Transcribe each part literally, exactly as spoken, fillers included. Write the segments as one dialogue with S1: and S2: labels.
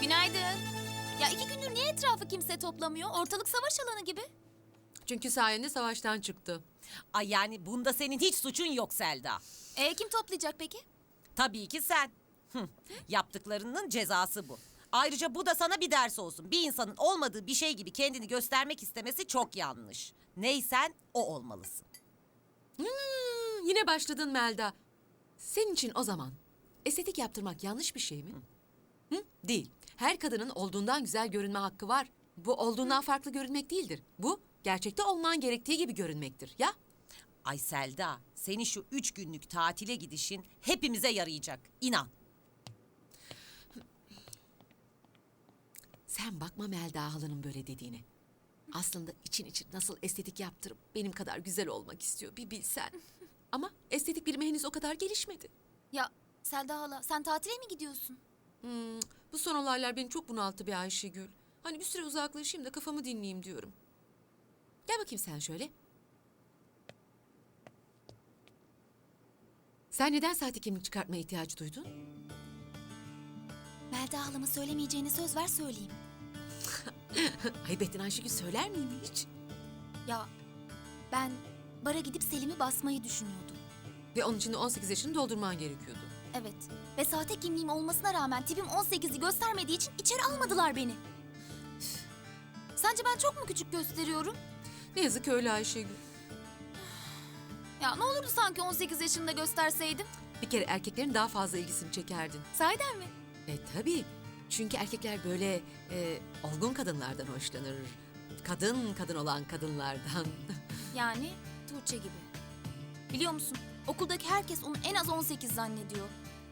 S1: Günaydın. Ya iki gündür niye etrafı kimse toplamıyor? Ortalık savaş alanı gibi.
S2: Çünkü sayende savaştan çıktı.
S3: Ay yani bunda senin hiç suçun yok Selda.
S1: E kim toplayacak peki?
S3: Tabii ki sen. Hı, yaptıklarının cezası bu. Ayrıca bu da sana bir ders olsun. Bir insanın olmadığı bir şey gibi kendini göstermek istemesi çok yanlış. Neysen o olmalısın.
S2: Hmm, yine başladın Melda. Senin için o zaman estetik yaptırmak yanlış bir şey mi? Hı? Değil. Her kadının olduğundan güzel görünme hakkı var. Bu olduğundan farklı görünmek değildir. Bu gerçekte olman gerektiği gibi görünmektir. Ya?
S3: Ay Selda, senin şu üç günlük tatile gidişin hepimize yarayacak. İnan.
S2: Sen bakma Melda halanın böyle dediğine. Aslında için için nasıl estetik yaptırıp benim kadar güzel olmak istiyor bir bilsen. Ama estetik bilimi henüz o kadar gelişmedi.
S1: Ya Selda hala sen tatile mi gidiyorsun?
S2: Hmm, bu son olaylar beni çok bunalttı be Ayşegül. Hani bir süre uzaklaşayım da kafamı dinleyeyim diyorum. Gel bakayım sen şöyle. Sen neden sahte kimlik çıkartmaya ihtiyacı duydun?
S1: Melda halama söylemeyeceğini söz ver söyleyeyim.
S2: Ayıp ettin Ayşegül, söyler miyim hiç?
S1: Ya ben bara gidip Selim'i basmayı düşünüyordum.
S2: Ve onun için de on sekiz yaşını doldurman gerekiyordu.
S1: Evet ve sahte kimliğim olmasına rağmen tipim on sekizi göstermediği için içeri almadılar beni. Sence ben çok mu küçük gösteriyorum?
S2: Ne yazık ki öyle Ayşegül.
S1: Ya ne olurdu sanki on sekiz yaşında gösterseydim?
S2: Bir kere erkeklerin daha fazla ilgisini çekerdin.
S1: Sahiden mi?
S2: E tabii. Çünkü erkekler böyle e, olgun kadınlardan hoşlanır. Kadın kadın olan kadınlardan.
S1: Yani Tuğçe gibi. Biliyor musun? Okuldaki herkes onu en az on sekiz zannediyor.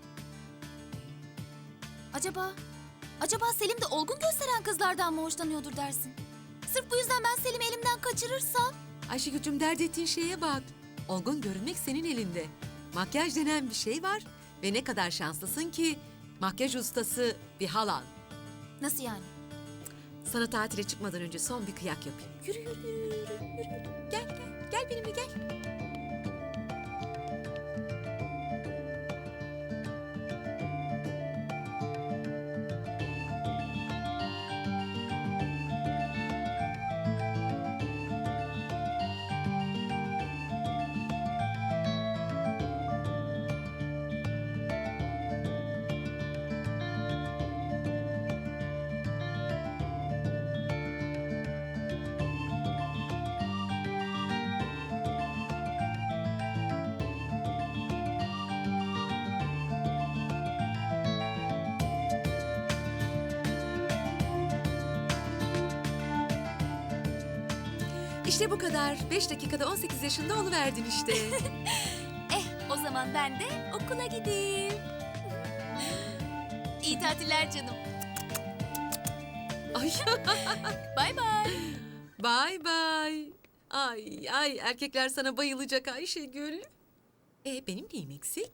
S1: Acaba, acaba Selim de olgun gösteren kızlardan mı hoşlanıyordur dersin? Sırf bu yüzden ben Selim'i elimden kaçırırsam...
S2: Ayşegül'cüm, dert ettiğin şeye bak. Olgun görünmek senin elinde. Makyaj denen bir şey var. Ve ne kadar şanslısın ki makyaj ustası bir halan.
S1: Nasıl yani?
S2: Sana tatile çıkmadan önce son bir kıyak yapayım. Yürü yürü yürü yürü yürü. yürü. Gel gel gel benimle gel. İşte bu kadar. Beş dakikada on sekiz yaşında oluverdin işte.
S1: Eh o zaman ben de okula gideyim. İyi tatiller canım.
S2: Ay.
S1: Bay bay.
S2: Bye bye. Ay ay, erkekler sana bayılacak Ayşegül. E benim neyim eksik?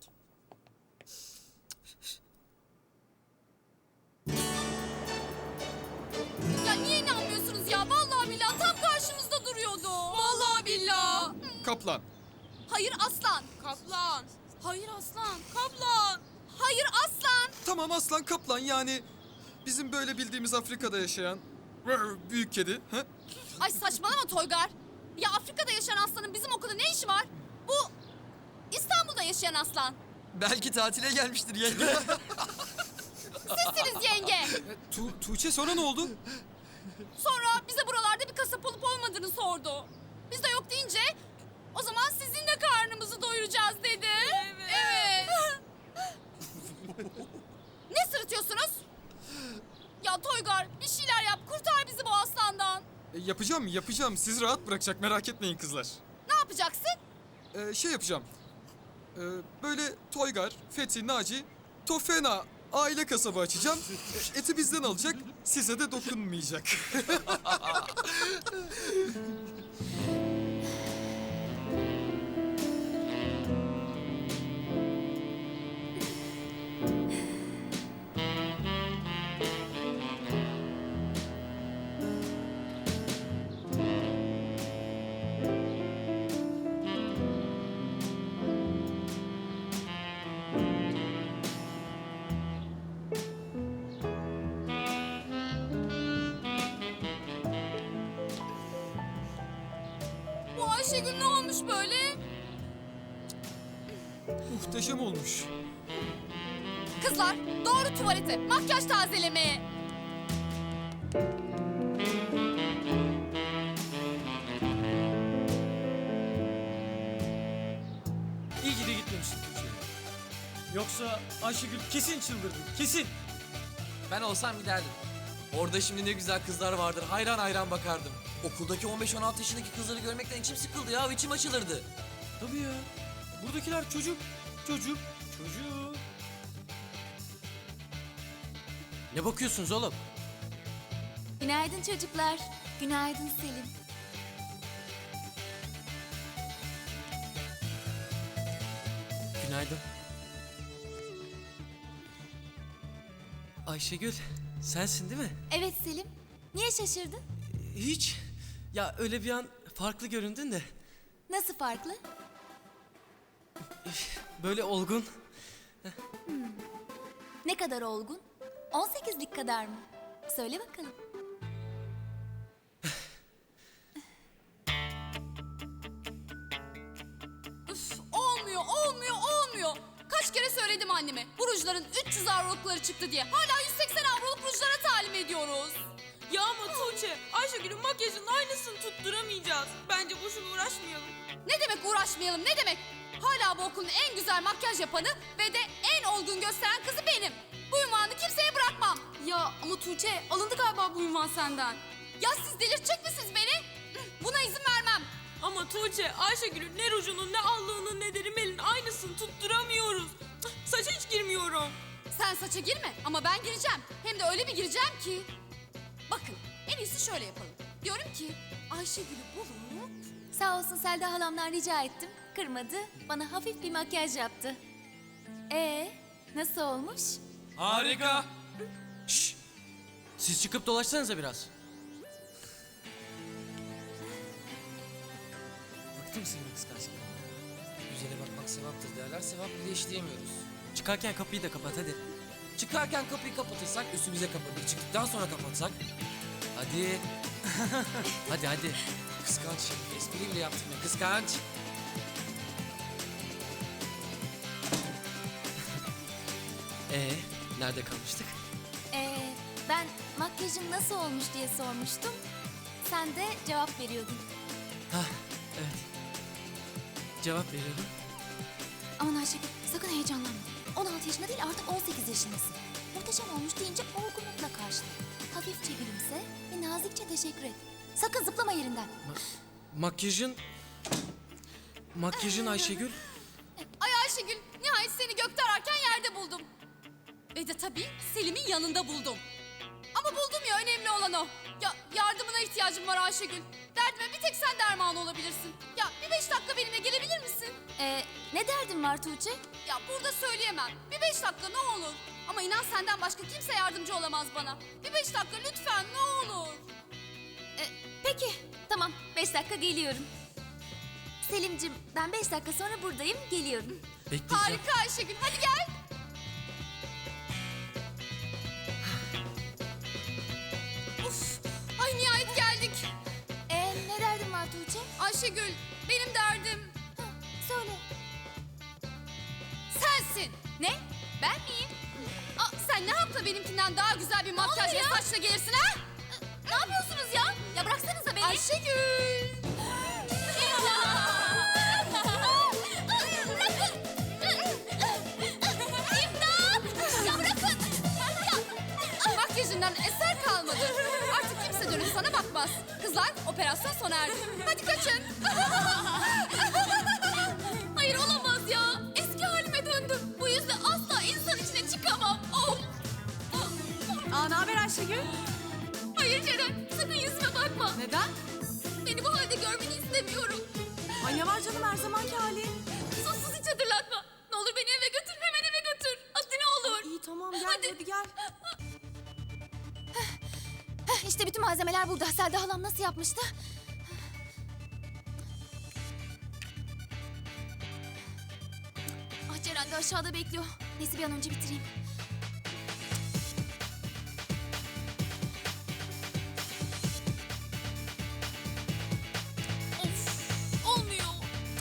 S1: Ya niye inanmıyorsunuz ya? Vallahi billahi tam karşımızda duruyordu. Vallahi billahi.
S4: Kaplan.
S1: Hayır aslan.
S5: Kaplan.
S1: Hayır aslan. Kaplan. Hayır aslan.
S4: Tamam aslan kaplan yani bizim böyle bildiğimiz Afrika'da yaşayan rrr, büyük kedi. Ha?
S1: Ay saçmalama Toygar. Ya Afrika'da yaşayan aslanın bizim okulda ne işi var? Bu İstanbul'da yaşayan aslan.
S4: Belki tatile gelmiştir yenge.
S1: Sizsiniz yenge.
S4: tu Tuğçe sonra ne oldu?
S1: Sonra bize buralarda bir kasap olup olmadığını sordu. Biz de yok deyince o zaman sizin de karnımızı doyuracağız dedi. Evet. Evet. Ne sırıtıyorsunuz? Ya Toygar bir şeyler yap, kurtar bizi bu aslandan.
S4: E, yapacağım yapacağım. Siz rahat bırakacak, merak etmeyin kızlar.
S1: Ne yapacaksın?
S4: E, şey yapacağım. E, böyle Toygar, Fethi, Naci, Tofena aile kasabı açacağım. E, eti bizden alacak, size de dokunmayacak.
S1: böyle?
S4: Muhteşem olmuş.
S1: Kızlar doğru tuvalete, makyaj tazelemeye.
S5: İyi ki de gitmemişsin Tuğçe. Yoksa Ayşegül kesin çıldırdı, kesin.
S6: Ben olsam giderdim. Orada şimdi ne güzel kızlar vardır. Hayran hayran bakardım. Okuldaki on beş on altı yaşındaki kızları görmekten içim sıkıldı ya. İçim açılırdı.
S5: Tabii ya. Buradakiler çocuk, çocuk, çocuk.
S6: Ne bakıyorsunuz oğlum?
S1: Günaydın çocuklar. Günaydın Selim.
S6: Günaydın.
S5: Ayşegül, sensin değil mi?
S1: Evet Selim. Niye şaşırdın?
S5: Hiç. Ya öyle bir an farklı göründün de.
S1: Nasıl farklı?
S5: Böyle olgun.
S1: Ne kadar olgun? on sekizlik kadar mı? Söyle bakalım. Üf, olmuyor, olmuyor, olmuyor. Kaç kere söyledim anneme. Bu rujların üç yüz avrolukları çıktı diye. Hala yüz seksen avroluk rujlara talim ediyoruz.
S7: Ya ama Tuğçe, Ayşegül'ün makyajının aynısını tutturamayacağız. Bence boşuna uğraşmayalım.
S1: Ne demek uğraşmayalım, ne demek? Hala bu okulun en güzel makyaj yapanı ve de en olgun gösteren kızı benim. Bu ünvanı kimseye bırakmam. Ya ama Tuğçe, alındı galiba bu ünvan senden. Ya siz delirtecek misiniz beni? Buna izin vermem.
S7: Ama Tuğçe, Ayşegül'ün ne rujunun, ne allığının, ne de rimelin aynısını tutturamıyoruz. Saça hiç girmiyorum.
S1: Sen saça girme ama ben gireceğim. Hem de öyle bir gireceğim ki. Bakın en iyisi şöyle yapalım. Diyorum ki Ayşegül'ü bulup...
S8: Sağ olsun Selda halamdan rica ettim. Kırmadı. Bana hafif bir makyaj yaptı. Ee, nasıl olmuş?
S5: Harika. Şşş. Siz çıkıp dolaşsanıza biraz. Bıktım senin kıskançlıktan.
S6: Güzele bakmak sevaptır derler. Sevap bile işleyemiyoruz.
S5: Çıkarken kapıyı da kapat hadi.
S6: Çıkarken kapıyı kapatırsak üstümüze kapatır. Çıktıktan sonra kapatsak. Hadi. hadi hadi. Kıskanç şimdi. Espri bile yaptım ya. Kıskanç.
S5: Ee, nerede kalmıştık?
S8: Ee, ben makyajım nasıl olmuş diye sormuştum. Sen de cevap veriyordun.
S5: Hah, evet. Cevap veriyorum.
S8: Aman Ayşegül sakın heyecanlanma. on altı yaşında değil artık on sekiz yaşındasın. Muhteşem olmuş deyince olgunlukla karşıla. Hafifçe gülümse ve nazikçe teşekkür et. Sakın zıplama yerinden.
S5: Makyajın... Makyajın Ayşegül.
S1: Ay Ayşegül nihayet seni gökte ararken yerde buldum. Ve de tabii Selim'in yanında buldum. Ama buldum ya önemli olan o. Ya yardımına ihtiyacım var Ayşegül. Derdime bir tek sen derman olabilirsin. Ya bir beş dakika benimle gelebilir misin?
S8: Ee, ne derdin var Tuğçe?
S1: Ya burada söyleyemem. Bir beş dakika ne olur. Ama inan senden başka kimse yardımcı olamaz bana. Bir beş dakika lütfen ne olur.
S8: Ee, peki tamam beş dakika geliyorum. Selim'cim ben beş dakika sonra buradayım geliyorum.
S5: Bekleyeceğim.
S1: Harika Ayşegül hadi gel. Uf, ay nihayet geldik.
S8: Ee, ne derdin var Tuğçe?
S1: Ayşegül benim derdim
S8: Hı, söyle.
S1: sensin.
S8: Ne? Ben miyim?
S1: Aa, sen ne yaptın benimkinden daha güzel bir makyaj ve
S8: oluyor?
S1: saçla gelirsin ha?
S8: Ne yapıyorsunuz ya? Ya bıraksanıza beni.
S1: Ayşegül.
S8: Ya bırakın.
S1: Makyajından eser kalmadı. Artık kimse dönüp sana bakmaz. Kızlar operasyon sona erdi. Hadi kaçın. Hayır olamaz ya. Eski halime döndüm. Bu yüzden asla insan içine çıkamam. Of.
S2: Aa, ne haber Ayşegül?
S1: Hayır Ceren sakın yüzüme bakma.
S2: Neden?
S1: Beni bu halde görmeni istemiyorum.
S2: Ay ne var canım her zamanki halin.
S1: Sus sus hiç hatırlatma. Ne olur beni eve götür hemen eve götür. Hadi ne olur.
S2: İyi tamam gel
S1: Hadi.
S2: hadi gel.
S8: Heh, İşte bütün malzemeler burada. Selda halam nasıl yapmıştı? Ah Ceren de aşağıda bekliyor. Neyse bir an önce bitireyim.
S1: Of olmuyor.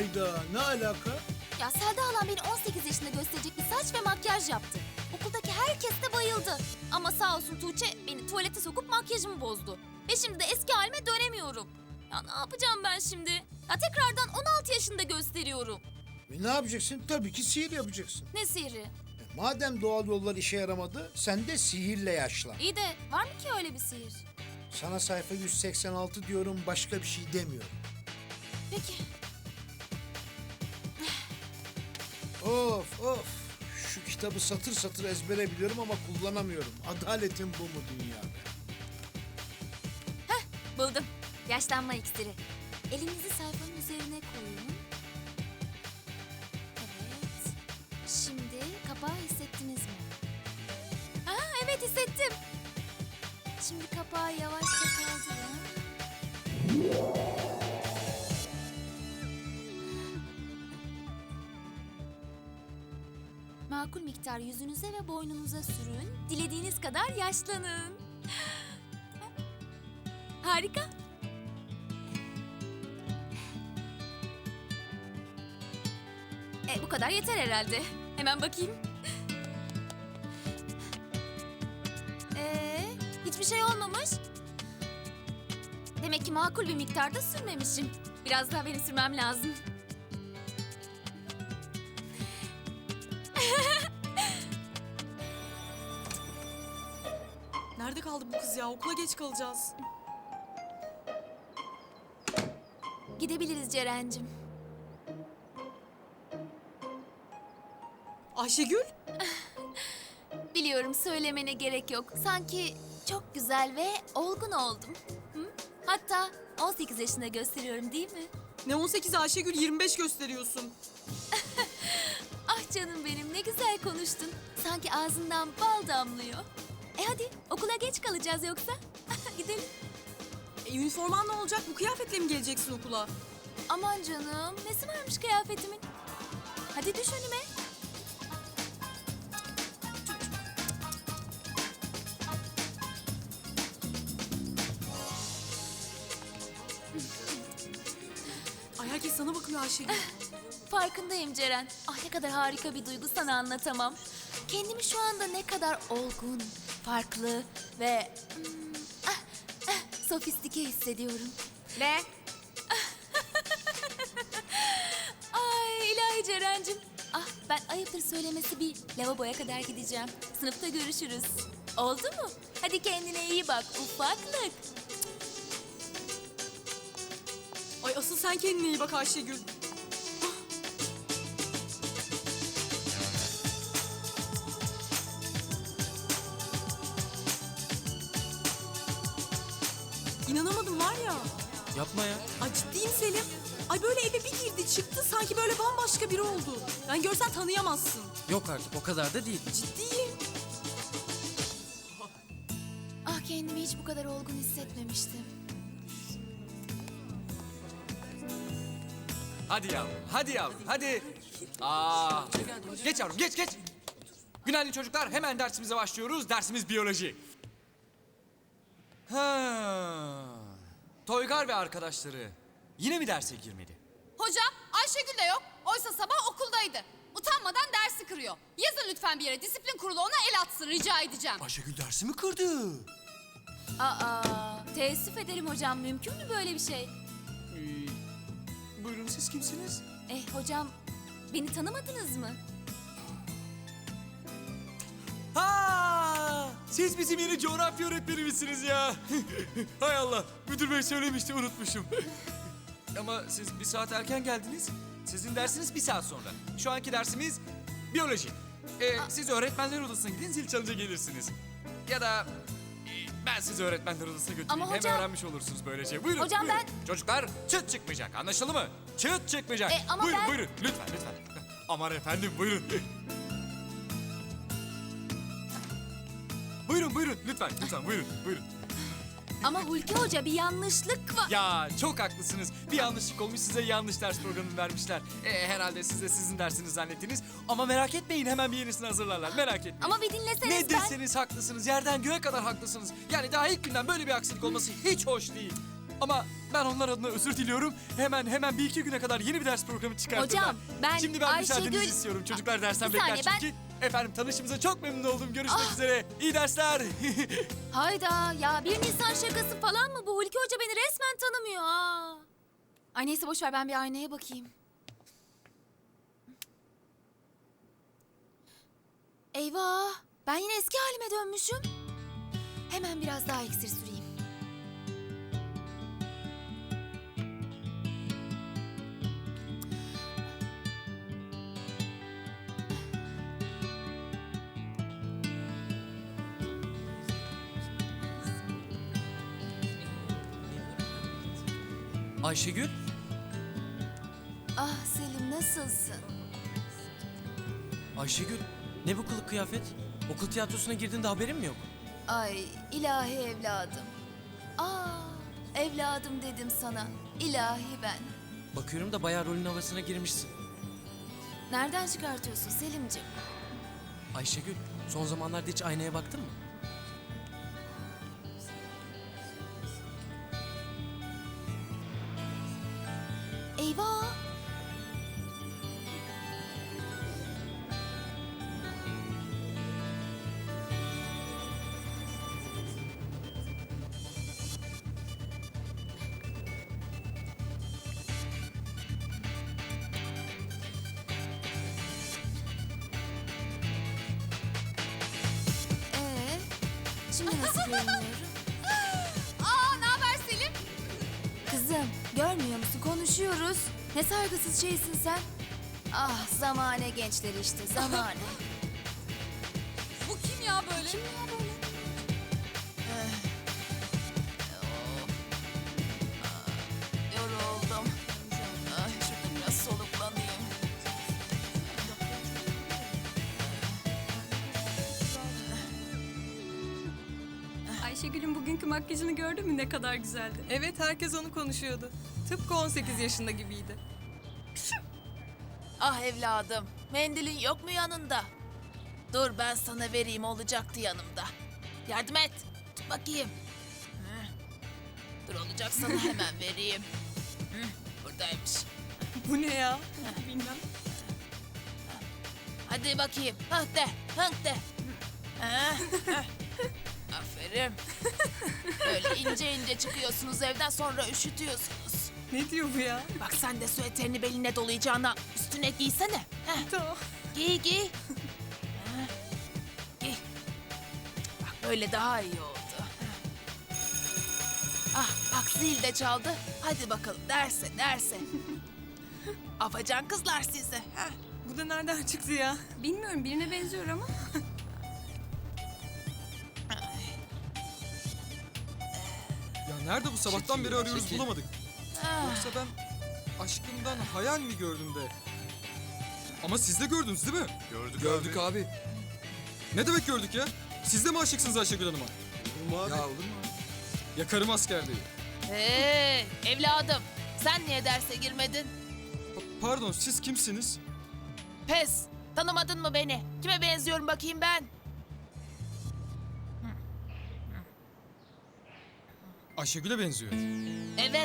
S9: Hayda, ne alaka?
S8: Ya Selda halam beni on sekiz yaşında gösterecek bir saç ve makyaj yaptı. Okuldaki herkes de bayıldı. Ama sağ olsun Tuğçe beni tuvalete sokup makyajımı bozdu. Ve şimdi de eski halime dönemiyorum. Ya ne yapacağım ben şimdi? Ya tekrardan on altı yaşında gösteriyorum.
S9: E ne yapacaksın? Tabii ki sihir yapacaksın.
S8: Ne sihri?
S9: E, madem doğal yollar işe yaramadı, sen de sihirle yaşlan.
S8: İyi de var mı ki öyle bir sihir?
S9: Sana sayfa yüz seksen altı diyorum, başka bir şey demiyorum.
S8: Peki.
S9: Of of. Şu kitabı satır satır ezbere biliyorum ama kullanamıyorum. Adaletin bu mu dünyada?
S8: Buldum. Yaşlanma iksiri. Elinizi sayfanın üzerine koyun. Evet. Şimdi kapağı hissettiniz mi? Aa, evet hissettim. Şimdi kapağı yavaşça kaldırın. Makul miktar yüzünüze ve boynunuza sürün. Dilediğiniz kadar yaşlanın. Harika. E, bu kadar yeter herhalde. Hemen bakayım. Ee, hiçbir şey olmamış. Demek ki makul bir miktarda sürmemişim. Biraz daha benim sürmem lazım.
S7: Nerede kaldı bu kız ya? Okula geç kalacağız.
S8: Gidebiliriz Ceren'cim.
S7: Ayşegül?
S8: Biliyorum söylemene gerek yok. Sanki çok güzel ve olgun oldum. Hı? Hatta on sekiz yaşında gösteriyorum değil mi?
S7: Ne on sekiz Ayşegül, yirmi beş gösteriyorsun.
S8: Ah canım benim ne güzel konuştun. Sanki ağzından bal damlıyor. E hadi okula geç kalacağız yoksa. Gidelim.
S7: E, üniforman ne olacak? Bu kıyafetle mi geleceksin okula?
S8: Aman canım nesi varmış kıyafetimin. Hadi düş önüme.
S7: Ay herkes sana bakıyor Ayşegül.
S8: Farkındayım Ceren. Ah ne kadar harika bir duygu sana anlatamam. Kendimi şu anda ne kadar olgun, farklı ve hmm, ah, ah, sofistike hissediyorum.
S1: Ne?
S8: Ay ilahi Ceren'cim. Ah ben ayıptır söylemesi bir lavaboya kadar gideceğim. Sınıfta görüşürüz. Oldu mu? Hadi kendine iyi bak ufaklık.
S7: Ay asıl sen kendine iyi bak Ayşegül. İnanamadım var ya.
S6: Yapma ya.
S7: Ay ciddiyim Selim. Ay böyle eve bir girdi çıktı sanki böyle bambaşka biri oldu. Yani görsen tanıyamazsın.
S6: Yok artık o kadar da değil.
S7: Ciddiyim.
S8: Ah kendimi hiç bu kadar olgun hissetmemiştim.
S10: Hadi yavrum, hadi yavrum, hadi. Aa, geç yavrum, geç, geç. Günaydın çocuklar, hemen dersimize başlıyoruz. Dersimiz biyoloji. Ha. Toygar ve arkadaşları yine mi derse girmedi?
S1: Hocam Ayşegül de yok. Oysa sabah okuldaydı. Utanmadan dersi kırıyor. Yazın lütfen bir yere, disiplin kurulu ona el atsın rica edeceğim.
S10: Ayşegül dersi mi kırdı?
S8: Aa teessüf ederim hocam mümkün mü böyle bir şey?
S10: Ee, buyurun siz kimsiniz?
S8: Eh hocam beni tanımadınız mı?
S10: Ha! Siz bizim yeni coğrafya öğretmenimizsiniz ya. Hay Allah, müdür bey söylemişti unutmuşum. Ama siz bir saat erken geldiniz. Sizin dersiniz bir saat sonra. Şu anki dersimiz biyoloji. Ee, siz öğretmenler odasına gidin, zil çalınca gelirsiniz. Ya da e, ben sizi öğretmenler odasına götüreyim.
S8: Ama
S10: Hem
S8: hocam-
S10: öğrenmiş olursunuz böylece. Buyurun,
S8: Hocam
S10: buyurun.
S8: ben-
S10: Çocuklar çıt çıkmayacak, anlaşıldı mı? Çıt çıkmayacak.
S8: E, ama
S10: buyurun,
S8: ben-
S10: buyurun. Lütfen, lütfen. Aman efendim, buyurun. Buyurun, buyurun. Lütfen, lütfen. Buyurun, buyurun.
S8: Ama Hulki Hoca bir yanlışlık var.
S10: Ya çok haklısınız. Bir yanlışlık olmuş, size yanlış ders programı vermişler. Ee, herhalde siz de sizin dersiniz zannettiniz. Ama merak etmeyin, hemen bir yenisini hazırlarlar. Merak etmeyin.
S8: Ama bir dinleseniz
S10: Ne
S8: ben...
S10: deseniz haklısınız. Yerden göğe kadar haklısınız. Yani daha ilk günden böyle bir aksilik olması hiç hoş değil. Ama ben onlar adına özür diliyorum. Hemen hemen bir iki güne kadar yeni bir ders programı çıkartırlar.
S8: Hocam, ben
S10: Şimdi ben
S8: Ayşegül-
S10: müsaadenizi istiyorum. Çocuklar dersten
S8: Bir
S10: bekler
S8: saniye, ben-
S10: çünkü. Efendim tanışımıza çok memnun oldum. Görüşmek üzere. İyi dersler.
S8: Hayda ya bir Nisan şakası falan mı bu? Hulki Hoca beni resmen tanımıyor ha. Ay neyse boş ver ben bir aynaya bakayım. Eyvah ben yine eski halime dönmüşüm. Hemen biraz daha iksir süreyim.
S6: Ayşegül,
S8: Ah Selim nasılsın?
S6: Ayşegül ne bu kılık kıyafet? Okul tiyatrosuna girdiğinde haberin mi yok?
S8: Ay ilahi evladım. Aa evladım dedim sana. İlahi ben.
S6: Bakıyorum da bayağı rolün havasına girmişsin.
S8: Nereden çıkartıyorsun Selimciğim?
S6: Ayşegül, son zamanlarda hiç aynaya baktın mı?
S8: Eyvah! Ee, şimdi nasıl görünüyorum?
S1: Aa ne haber Selim?
S8: Kızım, görmüyor musun? Konuşuyoruz. Ne saygısız şeysin sen. Ah, zamane gençleri işte, zamane.
S1: Bu kim ya böyle?
S8: Kim ya böyle?
S1: Yoruldum. Ay şurada biraz soluklanayım.
S11: Ayşegül'ün bugünkü makyajını gördün mü ne kadar güzeldi?
S7: Evet herkes onu konuşuyordu. Tıpkı on sekiz yaşında gibiydi.
S12: Ah evladım, mendilin yok mu yanında? Dur ben sana vereyim olacaktı yanımda. Yardım et, tut bakayım. Hı. Dur olacak sana hemen vereyim. Hı, buradaymış.
S7: Bu ne ya? Bilmem.
S12: Hadi bakayım, hıh de, hıh de. Ha, hıh. Aferin. Böyle ince ince çıkıyorsunuz evden sonra üşütüyorsunuz.
S7: Ne diyor bu ya?
S12: Bak sen de süeterini beline dolayacağına üstüne giysene. Heh.
S7: Tamam.
S12: Giy giy. Ha, giy. Bak böyle daha iyi oldu. Ah bak zil de çaldı. Hadi bakalım derse derse. Afacan kızlar sizi. Ha.
S7: Bu da nereden çıktı ya?
S11: Bilmiyorum birine benziyor ama.
S4: Ya nerede bu sabahtan beri arıyoruz
S6: Çekil.
S4: bulamadık.
S12: Ah.
S4: Yoksa ben aşkımdan hayal mi gördüm de? Ama siz de gördünüz değil mi?
S10: Gördük,
S4: Gördük abi. Ne demek gördük ya? Siz de mi aşıksınız Ayşegül Hanım'a? Ya olur mu? Yakarım askerliği.
S12: Hey evladım sen niye derse girmedin?
S4: Pa- pardon siz kimsiniz?
S12: Pes tanımadın mı beni? Kime benziyorum bakayım ben?
S4: Ayşegül'e benziyor.
S12: Evet.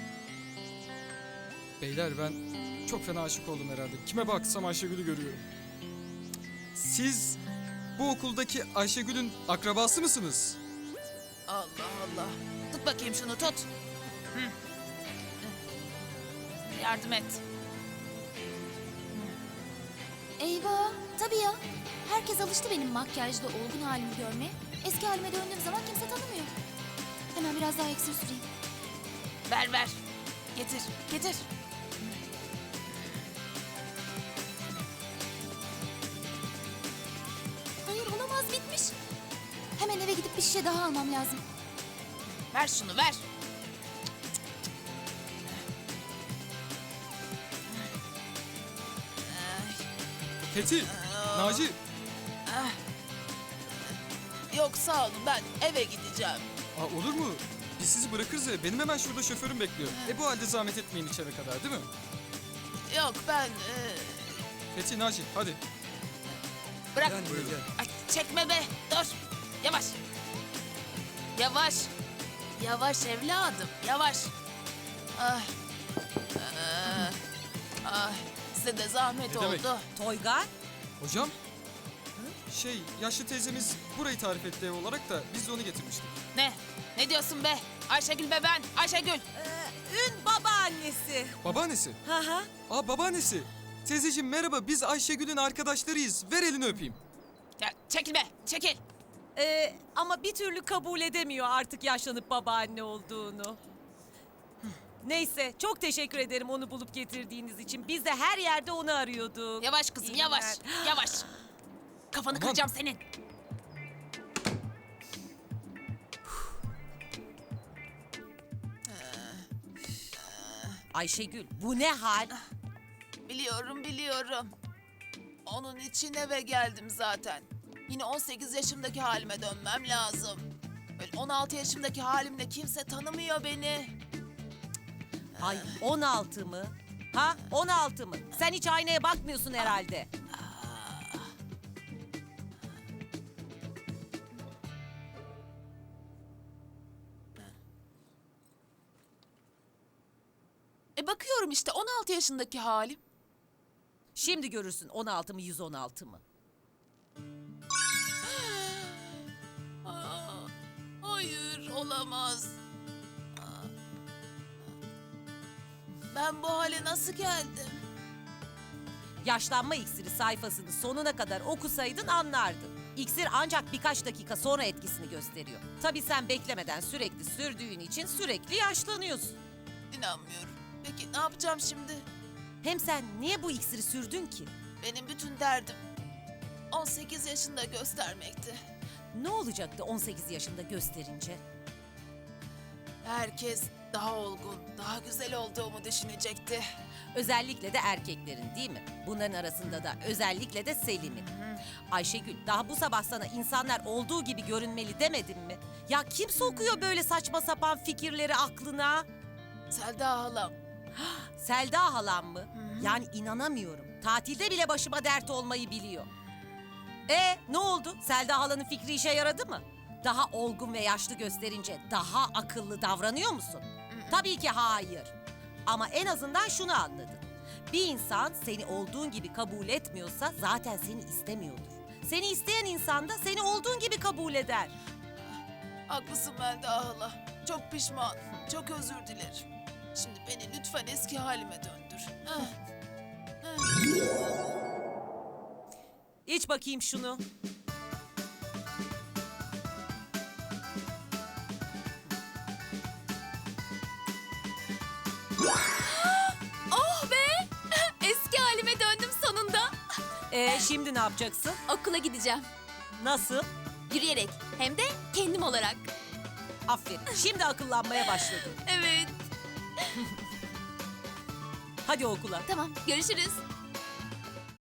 S4: Beyler ben çok fena aşık oldum herhalde. Kime baksam Ayşegül'ü görüyorum. Siz bu okuldaki Ayşegül'ün akrabası mısınız?
S12: Allah Allah. Tut bakayım şunu tut. Hı. Yardım et.
S8: Eyvah, tabii ya. Herkes alıştı benim makyajlı olgun halimi görmeye. Eski halime döndüğüm zaman kimse tanımıyor. Hemen biraz daha iksir süreyim.
S12: Ver ver. Getir getir.
S8: Hayır olamaz bitmiş. Hemen eve gidip bir şişe daha almam lazım.
S12: Ver şunu ver.
S4: Fethi, Naci.
S12: Yok sağ olun ben eve gideceğim.
S4: Aa, olur mu? Biz sizi bırakırız ya. Benim hemen şurada şoförüm bekliyor. E bu halde zahmet etmeyin içeri kadar değil mi?
S12: Yok ben... e,
S4: Fethi, Naci hadi.
S12: bırak. Ay, çekme be dur. Yavaş. Yavaş. Yavaş evladım, yavaş. Ay. Ay. Ay. Size de zahmet
S4: Ne demek?
S12: oldu.
S3: Toygar,
S4: Hocam? Şey, yaşlı teyzemiz burayı tarif etti ev olarak da biz de onu getirmiştik.
S12: Ne? Ne diyorsun be? Ayşegül be ben. Ayşegül.
S3: e, Ün babaannesi.
S4: Babaannesi.
S3: Hı hı.
S4: Aa babaannesi. Teyzeciğim merhaba, biz Ayşegül'ün arkadaşlarıyız. Ver elini öpeyim.
S12: Ya, çekil be, çekil.
S3: Ee, ama bir türlü kabul edemiyor artık yaşlanıp babaanne olduğunu. Neyse, çok teşekkür ederim onu bulup getirdiğiniz için. Biz de her yerde onu arıyorduk.
S12: Yavaş kızım,
S3: İyi
S12: yavaş.
S3: günler.
S12: Yavaş. Kafanı
S4: Aman.
S12: kıracağım senin.
S3: Ayşegül, bu ne hal?
S12: Biliyorum, biliyorum. Onun için eve geldim zaten. Yine on sekiz yaşımdaki halime dönmem lazım. Böyle on altı yaşımdaki halimle kimse tanımıyor beni.
S3: Ay, on altı mı? Ha, on altı mı? Sen hiç aynaya bakmıyorsun herhalde.
S12: E bakıyorum işte on altı yaşındaki halim.
S3: Şimdi görürsün on altı mı yüz on altı mı?
S12: Aa, hayır, olamaz. Aa. Ben bu hale nasıl geldim?
S3: Yaşlanma iksiri sayfasını sonuna kadar okusaydın anlardın. İksir ancak birkaç dakika sonra etkisini gösteriyor. Tabii sen beklemeden sürekli sürdüğün için sürekli yaşlanıyorsun.
S12: İnanmıyorum. Peki ne yapacağım şimdi?
S3: Hem sen niye bu iksiri sürdün ki?
S12: Benim bütün derdim on sekiz yaşında göstermekti.
S3: Ne olacaktı on sekiz yaşında gösterince?
S12: Herkes daha olgun, daha güzel olduğumu düşünecekti.
S3: Özellikle de erkeklerin değil mi? Bunların arasında da özellikle de Selim'in. Ayşegül, daha bu sabah sana insanlar olduğu gibi görünmeli demedim mi? Ya kim sokuyor böyle saçma sapan fikirleri aklına?
S12: Selda halam.
S3: Selda halam mı? Yani inanamıyorum. Tatilde bile başıma dert olmayı biliyor. E ne oldu? Selda halanın fikri işe yaradı mı? Daha olgun ve yaşlı gösterince daha akıllı davranıyor musun? Tabii ki hayır. Ama en azından şunu anladın. Bir insan seni olduğun gibi kabul etmiyorsa zaten seni istemiyordur. Seni isteyen insan da seni olduğun gibi kabul eder.
S12: Haklısın Melda hala. Çok pişman, çok özür dilerim. Şimdi beni lütfen eski halime döndür. Heh.
S3: İç bakayım şunu.
S1: Oh be! Eski halime döndüm sonunda.
S3: E şimdi ne yapacaksın?
S1: Okula gideceğim.
S3: Nasıl?
S1: Yürüyerek. Hem de kendim olarak.
S3: Aferin. Şimdi akıllanmaya başladın.
S1: Evet.
S3: Hadi okula.
S1: Tamam, görüşürüz.